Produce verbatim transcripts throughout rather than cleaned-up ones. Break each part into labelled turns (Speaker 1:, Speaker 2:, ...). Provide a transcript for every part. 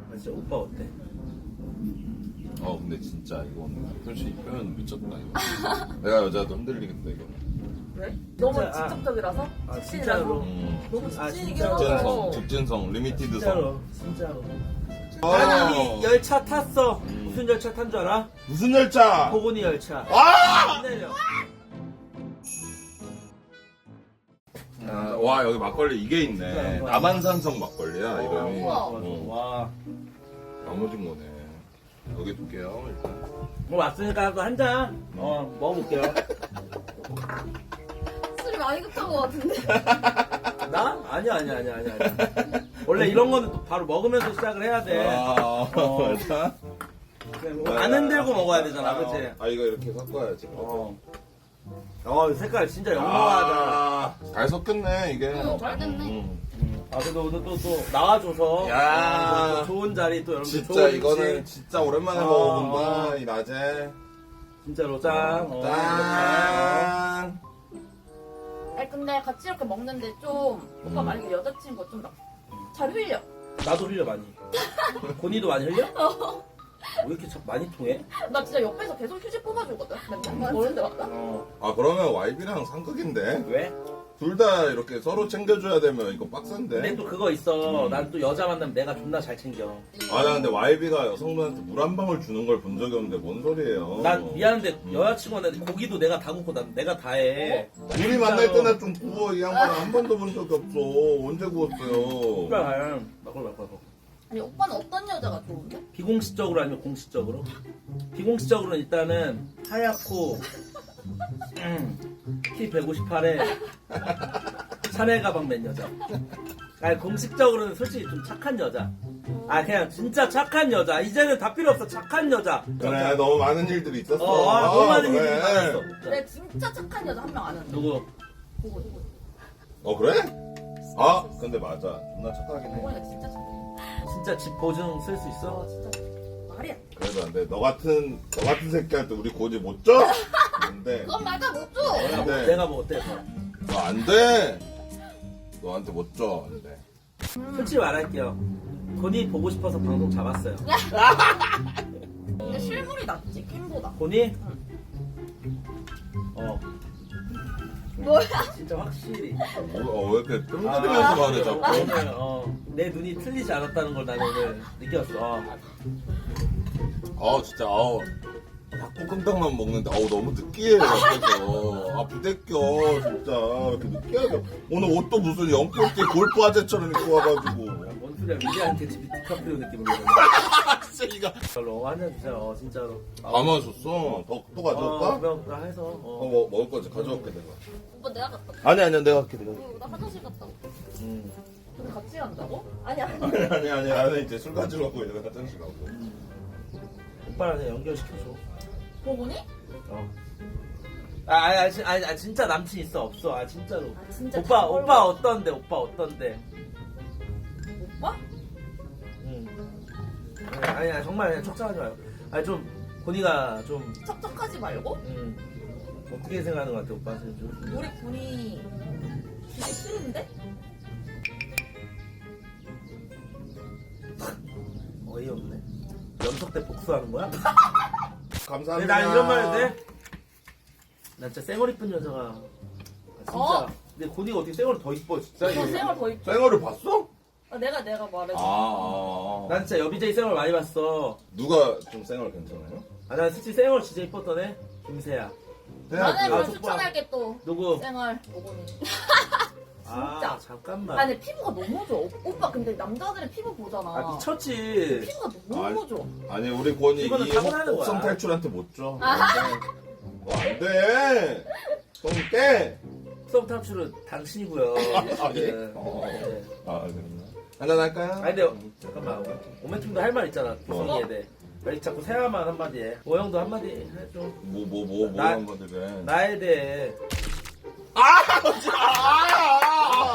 Speaker 1: 아, 진짜 오빠 어때?
Speaker 2: 어 근데 진짜 이건 솔직히 표현 미쳤다 이거. 내가 여자도 흔들리겠다 이거.
Speaker 3: 왜? 너무
Speaker 1: 진짜, 아.
Speaker 3: 직접적이라서?
Speaker 1: 아,
Speaker 3: 직진이라서?
Speaker 1: 진짜로.
Speaker 2: 음.
Speaker 3: 너무
Speaker 1: 아,
Speaker 3: 직진이긴
Speaker 1: 진짜로.
Speaker 2: 직진성,
Speaker 3: 하고
Speaker 2: 직진성, 리미티드성.
Speaker 1: 진짜로 진짜로.
Speaker 2: 아.
Speaker 1: 난 이미 열차 탔어.
Speaker 2: 음.
Speaker 1: 무슨 열차 탄 줄 알아?
Speaker 2: 무슨 열차?
Speaker 1: 보고니 열차.
Speaker 2: 와!
Speaker 1: 내려.
Speaker 2: 아, 와 여기 막걸리 이게 있네. 남한산성 막걸리야 이름이.
Speaker 3: 우와.
Speaker 2: 어.
Speaker 1: 와.
Speaker 2: 나머진 거네. 여기 둘게요 일단.
Speaker 1: 뭐 왔으니까 또 한 잔. 어 먹어볼게요.
Speaker 3: 술이 많이 급한 것 같은데.
Speaker 1: 나? 아니야 아니야 아니야 아니야. 아니야. 원래 이런 거는 또 바로 먹으면서 시작을 해야 돼.
Speaker 2: 아
Speaker 1: 어.
Speaker 2: 맞아.
Speaker 1: 안 흔들고 먹어야 되잖아, 그치?
Speaker 2: 아 이거 이렇게 섞어야지.
Speaker 1: 어. 어, 색깔 진짜 영롱하다.
Speaker 2: 아, 잘 섞였네 이게.
Speaker 3: 응, 잘 됐네.
Speaker 2: 음.
Speaker 1: 아, 그래도 오늘 또, 또 나와줘서.
Speaker 2: 야.
Speaker 1: 또 좋은 자리 또 여러분들
Speaker 2: 진짜
Speaker 1: 좋은
Speaker 2: 이거는
Speaker 1: 음식.
Speaker 2: 진짜 오랜만에
Speaker 1: 어,
Speaker 2: 먹어본다
Speaker 1: 어.
Speaker 2: 이 낮에.
Speaker 1: 진짜로 짠. 어,
Speaker 2: 짠.
Speaker 3: 아니 근데 같이 이렇게 먹는데 좀 오빠
Speaker 2: 음.
Speaker 3: 만약에 여자친구 좀 잘 흘려.
Speaker 1: 나도 흘려, 많이. 고니도 많이 흘려? 왜 이렇게 자꾸 많이 통해?
Speaker 3: 나 진짜 옆에서 계속 휴지 뽑아주거든. 맨날 어른 데 갔다.
Speaker 1: 어.
Speaker 2: 아 그러면 와이비랑 상극인데
Speaker 1: 왜?
Speaker 2: 둘 다 이렇게 서로 챙겨줘야 되면 이거 빡센데.
Speaker 1: 근데 또 그거 있어.
Speaker 2: 음.
Speaker 1: 난 또 여자 만나면 내가 존나 잘 챙겨.
Speaker 2: 아 나 근데 와이비가 여성분한테 물 한 방울 주는 걸 본 적이 없는데 뭔 소리예요?
Speaker 1: 난 미안한데
Speaker 2: 음.
Speaker 1: 여자친구한테 고기도 내가 다 굽고 난 내가 다 해.
Speaker 2: 우리 만날 때나 좀 구워 이 양반 한 번도 본 적이 없어. 언제 구웠어요?
Speaker 1: 그래, 막걸 막걸.
Speaker 3: 아니 오빠는 어떤 여자가 좋은데?
Speaker 1: 비공식적으로 아니면 공식적으로? 비공식적으로는 일단은 하얗고 음, 키 백오십팔에 샤넬 가방 맨 여자. 아니 공식적으로는 솔직히 좀 착한 여자. 아 그냥 진짜 착한 여자. 이제는 다 필요 없어. 착한 여자.
Speaker 2: 그래 너무 많은 일들이 있었어.
Speaker 1: 어, 아, 너무 많은
Speaker 2: 그래.
Speaker 1: 일이 많았어.
Speaker 3: 그래 진짜 착한 여자 한 명 아는데.
Speaker 1: 누구?
Speaker 3: 보고 누구?
Speaker 2: 어 그래? 아 근데 맞아. 존나 착하긴 해.
Speaker 3: 보고니까 진짜 착해.
Speaker 1: 진짜 집 보증 쓸 수
Speaker 3: 어
Speaker 1: 있어?
Speaker 3: 진짜 말이야.
Speaker 2: 그래도 안 돼. 너 같은 너 같은 새끼한테 우리 고지 못 줘? 안 돼.
Speaker 3: 그건 말도 못 줘.
Speaker 1: 내가, 뭐,
Speaker 2: 네.
Speaker 1: 내가 뭐 어때?
Speaker 2: 너 안 돼. 너한테 못 줘. 안 돼.
Speaker 1: 솔직히 말할게요. 고니 보고 싶어서 방송 잡았어요.
Speaker 3: 근데 실물이 낫지 캠보다.
Speaker 1: 고니? 어
Speaker 3: 뭐야?
Speaker 1: 진짜 확실히.
Speaker 2: 어, 왜 이렇게 뜸들이면서 말해 자꾸?
Speaker 1: 오늘 어, 내 눈이 틀리지 않았다는 걸 나는 오늘 느꼈어. 어.
Speaker 2: 아 진짜 아우 닭볶음탕만 먹는데 아우 너무 느끼해요 옆에서 아 부대껴 진짜 왜 이렇게 느끼하게 오늘 옷도 무슨 연꽃띠 골프 아재처럼 입고 와가지고
Speaker 1: 뭔 소리야? 위대한 대치 비트카프리오 느낌으로.
Speaker 2: 진짜 이거
Speaker 1: 별로 한잔 주세요. 어, 진짜로.
Speaker 2: 안 마셨어 더, 또 가져올까?
Speaker 1: 어, 그럼 나 해서.
Speaker 2: 어,
Speaker 1: 어.
Speaker 2: 뭐, 먹을 거지 가져올게 내가
Speaker 3: 오빠 내가 갔다.
Speaker 2: 아니 아니야 내가 할게 내가
Speaker 3: 어, 나 화장실 갔다. 고
Speaker 1: 음.
Speaker 3: 근데 같이 간다고? 아니야.
Speaker 2: 아니 아니 아니 나는 이제 술 가지러 가고 얘가 화장실 가고
Speaker 1: 오빠랑 그냥 연결시켜줘.
Speaker 3: 보고니?
Speaker 1: 어. 아, 아니, 아니, 진- 아니, 아니, 진짜 남친 있어 없어? 아 진짜로.
Speaker 3: 아 진짜.
Speaker 1: 오빠
Speaker 3: 다
Speaker 1: 오빠
Speaker 3: 걸고.
Speaker 1: 어떤데? 오빠 어떤데?
Speaker 3: 오빠?
Speaker 1: 응. 아니, 아니 아니, 정말 그냥 척척하지 마요. 아니 좀 고니가 좀
Speaker 3: 척척하지 말고
Speaker 1: 음, 어떻게 생각하는 것 같아 오빠는 좀.
Speaker 3: 우리 군이 되게 싫은데?
Speaker 1: 어이없네. 연석 때 복수하는 거야? 근데
Speaker 2: 감사합니다
Speaker 1: 난 이런 말 해도 돼? 나 진짜 쌩얼 이쁜 여자가 아, 진짜.
Speaker 3: 어?
Speaker 1: 근데 고니가 어떻게 쌩얼이 더 이뻐 진짜.
Speaker 3: 저 생얼 더 입.
Speaker 2: 쌩얼을 봤어?
Speaker 3: 아, 내가 내가 말해.
Speaker 2: 아, 아, 아.
Speaker 1: 난 진짜 여비제이 쌩얼 많이 봤어.
Speaker 2: 누가 좀 쌩얼 괜찮아요?
Speaker 1: 아, 난 솔직히 쌩얼 진짜 이뻤던 애 김세야.
Speaker 3: 나는
Speaker 1: 아,
Speaker 3: 그럼
Speaker 1: 족발.
Speaker 3: 추천할게 또.
Speaker 1: 누구?
Speaker 3: 생얼 보고니.
Speaker 1: 아
Speaker 3: 진짜.
Speaker 1: 잠깐만.
Speaker 3: 아니 피부가 너무 좋아. 오- 오빠 근데 남자들의 피부 보잖아.
Speaker 1: 아 미쳤지.
Speaker 3: 피부가 너무
Speaker 2: 아니,
Speaker 3: 좋아.
Speaker 2: 아니 우리 권이
Speaker 1: 이거는
Speaker 2: 이
Speaker 1: 타고나는
Speaker 2: 혹성
Speaker 1: 거야.
Speaker 2: 탈출한테 못 줘. 안 돼. 좀 깨.
Speaker 1: 썸 탑출은 당신이고요.
Speaker 2: 아, 예?
Speaker 1: 네.
Speaker 2: 어.
Speaker 1: 네.
Speaker 2: 아 그랬나? 한잔 할까요?
Speaker 1: 아니 근데 잠깐만 오멘팀도 할 말 있잖아. 구성이에 대해. 왜 자꾸 세아만 한마디 해. 오영도 한마디 해줘.
Speaker 2: 뭐 뭐 뭐 뭐
Speaker 1: 나-
Speaker 2: 한번 해.
Speaker 1: 나에 대해.
Speaker 2: 아!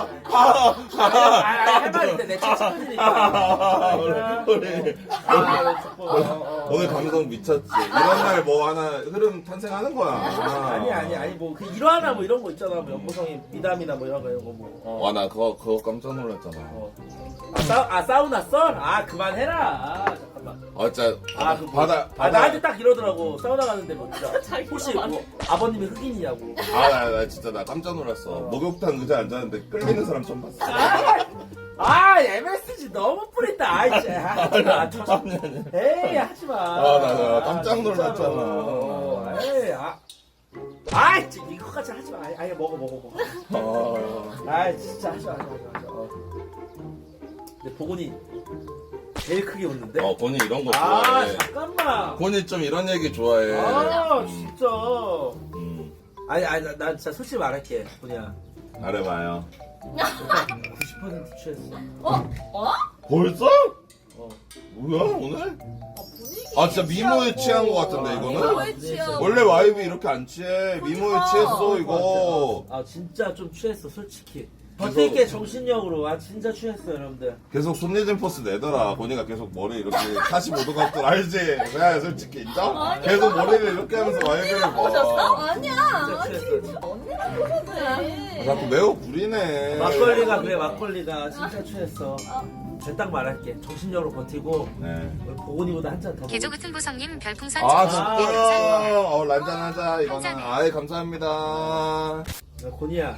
Speaker 1: 아, 할 말인데 내 친구들이니까.
Speaker 2: 우리
Speaker 1: 아, 자꾸. 어, 어.
Speaker 2: 오늘 감성 미쳤지. 이런 날 뭐 하나 흐름 탄생하는 거야.
Speaker 1: 아니 아니 아니 뭐 그 일화나 뭐 이런 거 있잖아. 뭐 연보성이 미담이나 뭐 이런 거 이런 거 뭐. 어.
Speaker 2: 와 나 그거 그거 깜짝 놀랐잖아.
Speaker 1: 어. 아, 사, 아 사우나 썰? 아 그만해라. 아 잠깐만.
Speaker 2: 아 진짜
Speaker 1: 아, 그 뭐,
Speaker 2: 바다
Speaker 1: 아
Speaker 2: 바다.
Speaker 1: 나한테 딱 이러더라고. 사우나 가는데 뭐 진짜
Speaker 3: 자기가
Speaker 1: 혹시
Speaker 3: 말-
Speaker 1: 뭐 아버님이 흑인이냐고.
Speaker 2: 아나 나 진짜 나 깜짝 놀랐어.
Speaker 1: 어.
Speaker 2: 목욕탕 의자 앉았는데 끌리는 사람 처음 봤어.
Speaker 1: 아, 아 엠에스지 너무 뿌린다. 아이 진짜. 아, 저, 에이 하지 마.
Speaker 2: 아, 나, 나 깜짝
Speaker 1: 진짜로.
Speaker 2: 놀랐잖아.
Speaker 1: 어, 에이 아. 아이 진짜 이거까지 하지 마. 아이, 아이 먹어 먹어 먹어.
Speaker 2: 어.
Speaker 1: 아이 진짜 하지 마 하지 마 하지 마. 어. 근데 보건이 제일 크게 웃는데.
Speaker 2: 어 본인 이런 거
Speaker 1: 아
Speaker 2: 좋아해.
Speaker 1: 잠깐만.
Speaker 2: 본인 좀 이런 얘기 좋아해.
Speaker 1: 아
Speaker 2: 음.
Speaker 1: 진짜.
Speaker 2: 음.
Speaker 1: 아니 아니 나, 나 진짜 솔직히 말할게 보냐.
Speaker 2: 말해봐요.
Speaker 1: 구십 퍼센트 취했어.
Speaker 3: 어? 어?
Speaker 2: 벌써?
Speaker 1: 어.
Speaker 2: 뭐야 오늘?
Speaker 3: 어, 분위기
Speaker 2: 아 진짜 미모에 취한 거 같은데
Speaker 1: 아,
Speaker 2: 이거는?
Speaker 3: 미모에 취하고.
Speaker 2: 원래 와이프 이렇게 안 취해. 미모에
Speaker 3: 그러니까.
Speaker 2: 취했어 이거.
Speaker 1: 아 진짜 좀 취했어 솔직히.
Speaker 2: 그래서-
Speaker 1: 버티게 정신력으로 아 진짜 취했어 여러분들.
Speaker 2: 계속 손예진 포스 내더라. 보니까 계속 머리 이렇게 사십오 도 각도 알지? 그냥 솔직히 인정?
Speaker 3: 아니야.
Speaker 2: 계속 머리를 이렇게 하면서 와이프를
Speaker 3: 보셨어?
Speaker 2: 봐.
Speaker 3: 아니야.
Speaker 1: 진짜
Speaker 3: 아니,
Speaker 1: 취했어.
Speaker 3: 언니랑 보셔도 돼.
Speaker 2: 아, 자꾸 매우 부리네.
Speaker 1: 막걸리가 그래 막걸리가 진짜 취했어. 제가 딱 말할게 정신력으로 버티고
Speaker 2: 네.
Speaker 1: 오늘 보건이보다 한 잔 더.
Speaker 4: 개조 같은 보성님 별풍선
Speaker 2: 아
Speaker 4: 천
Speaker 2: 진짜. 어 란짠하자 이거는.
Speaker 4: 감사합니다.
Speaker 2: 아이 감사합니다.
Speaker 1: 고니야.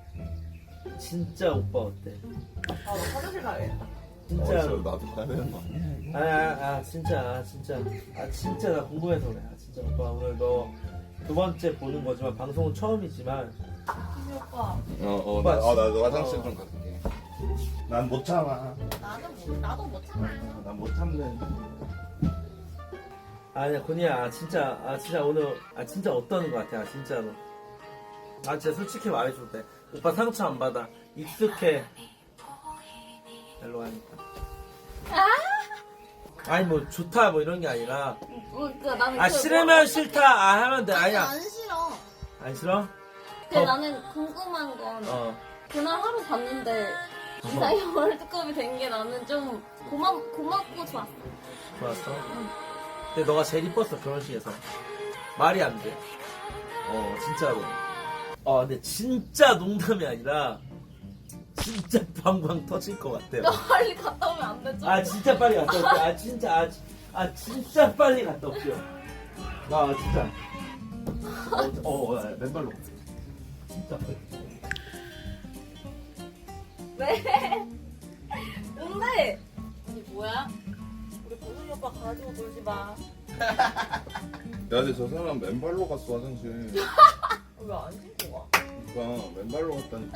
Speaker 1: 진짜 오빠 어때?
Speaker 3: 아, 나 화장실 가야겠다.
Speaker 1: 진짜.
Speaker 2: 어, 저 나도 가야 되는 거 아니야?
Speaker 1: 아, 아, 아 진짜 아, 진짜 아 진짜 나 궁금해서 그래. 아, 진짜 오빠 오늘 너 두 번째 보는 거지만 방송은 처음이지만
Speaker 3: 희미 오빠,
Speaker 2: 어어
Speaker 1: 오빠
Speaker 2: 나, 어, 나도
Speaker 1: 진짜-
Speaker 2: 화장실 좀 갈게. 난 못 참아.
Speaker 3: 나는 못, 나도 못 참아.
Speaker 2: 난 못 참네.
Speaker 1: 아니야 고니야 아, 진짜 아 진짜 오늘 아 진짜 어떠는 거 같아 아, 진짜로. 아 진짜 솔직히 말해줘도 돼. 오빠 상처 안 받아. 익숙해. 일로 하니까. 아니 뭐 좋다 뭐 이런 게 아니라
Speaker 3: 어, 그, 나는
Speaker 1: 아
Speaker 3: 그
Speaker 1: 싫으면 싫다 아 하면 돼
Speaker 5: 아니,
Speaker 1: 아니야
Speaker 5: 안 싫어.
Speaker 1: 안 싫어?
Speaker 5: 근데
Speaker 1: 어.
Speaker 5: 나는 궁금한 건
Speaker 1: 어
Speaker 5: 그날 하루 봤는데 이상이 월드컵이 된 게 나는 좀 고마 고맙고 좋았어.
Speaker 1: 좋았어. 근데 너가 제일 이뻤어 결혼식에서 말이 안 돼. 어 진짜로. 어 근데 진짜 농담이 아니라 진짜 방광 터질 것 같아요.
Speaker 5: 너 빨리 갔다 오면 안 되죠?
Speaker 1: 아 진짜 빨리 갔다 올게요. 아 진짜 아, 지- 아 진짜 빨리 갔다 올게요. 아 진짜. 어, 어, 어 맨발로. 진짜 빨리.
Speaker 5: 왜? 근데
Speaker 3: 언니 뭐야? 우리 보성이 오빠 가지고 놀지 마.
Speaker 2: 야 근데 저 사람 맨발로 갔어 화장실.
Speaker 3: 왜 안 신고 가?
Speaker 2: 그러니까 맨발로 갔다니까.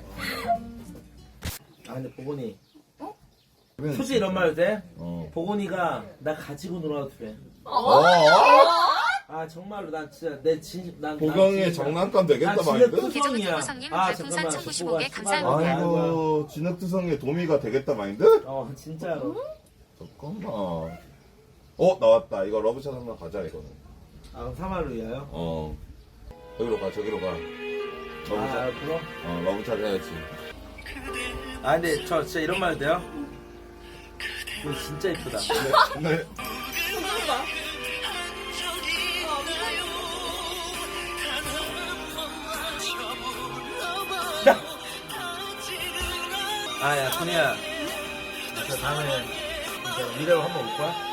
Speaker 1: 아 근데 보건이
Speaker 2: 그래.
Speaker 1: 솔직히 이런 말 해도 돼?
Speaker 2: 어.
Speaker 1: 보건이가 나 가지고 놀아도 돼.
Speaker 2: 어?
Speaker 1: 아 정말로 난 진짜 내 진심 난
Speaker 2: 보경이의
Speaker 1: 난 진짜-
Speaker 2: 장난감 되겠다
Speaker 1: 난 진짜
Speaker 2: 마인드?
Speaker 4: 개조 같은
Speaker 1: 뚜성이야.
Speaker 4: 보성님
Speaker 1: 아
Speaker 4: 별풍선
Speaker 1: 잠깐만
Speaker 4: 천구십오 개
Speaker 1: 족보가
Speaker 4: 감사합니다.
Speaker 1: 심하다.
Speaker 2: 아이고 진흙투성이의 도미가 되겠다 마인드?
Speaker 1: 어 진짜로.
Speaker 2: 잠깐만. 어 나왔다. 이거 러브샷 한번 가자 이거는.
Speaker 1: 아 사마를 위하여?
Speaker 2: 어. 저기로 가 저기로 가.
Speaker 1: 아
Speaker 2: 러브샷.
Speaker 1: 그럼?
Speaker 2: 어 러브샷 해야지.
Speaker 1: 아 근데 저 진짜 이런 말 해도 돼요? 이거 진짜 이쁘다.
Speaker 2: 근데
Speaker 1: 아야 소니야. 저 다음에 진짜 미래로 한번 올 거야?